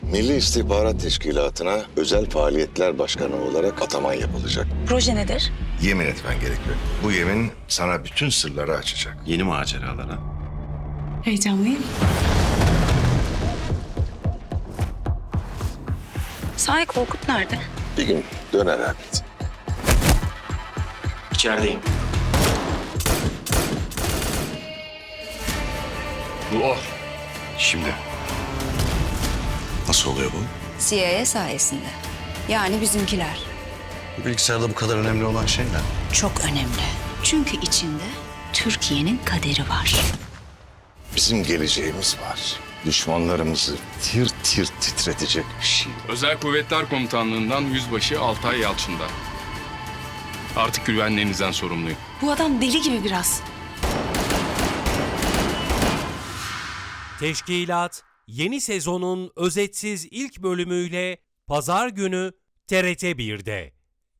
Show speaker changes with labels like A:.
A: Milli İstihbarat Teşkilatı'na özel faaliyetler başkanı olarak ataman yapılacak.
B: Proje nedir?
A: Yemin etmen gerekiyor. Bu yemin sana bütün sırları açacak.
C: Yeni maceralara.
B: Heyecanlıyım. Sahi Korkut nerede?
A: Bir gün döner elbet.
C: İçerideyim.
A: Bu o.
C: Şimdi. Nasıl oluyor bu?
D: CIA sayesinde. Yani bizimkiler.
C: Bu bilgisayarda bu kadar önemli olan şey ne?
D: Çok önemli. Çünkü içinde Türkiye'nin kaderi var.
A: Bizim geleceğimiz var. Düşmanlarımızı tir tir titretecek bir şey.
E: Özel Kuvvetler Komutanlığı'ndan Yüzbaşı Altay Yalçın'da. Artık güvenliğinizden sorumluyum.
B: Bu adam deli gibi biraz.
F: Teşkilat yeni sezonun özetsiz ilk bölümüyle Pazar günü TRT 1'de.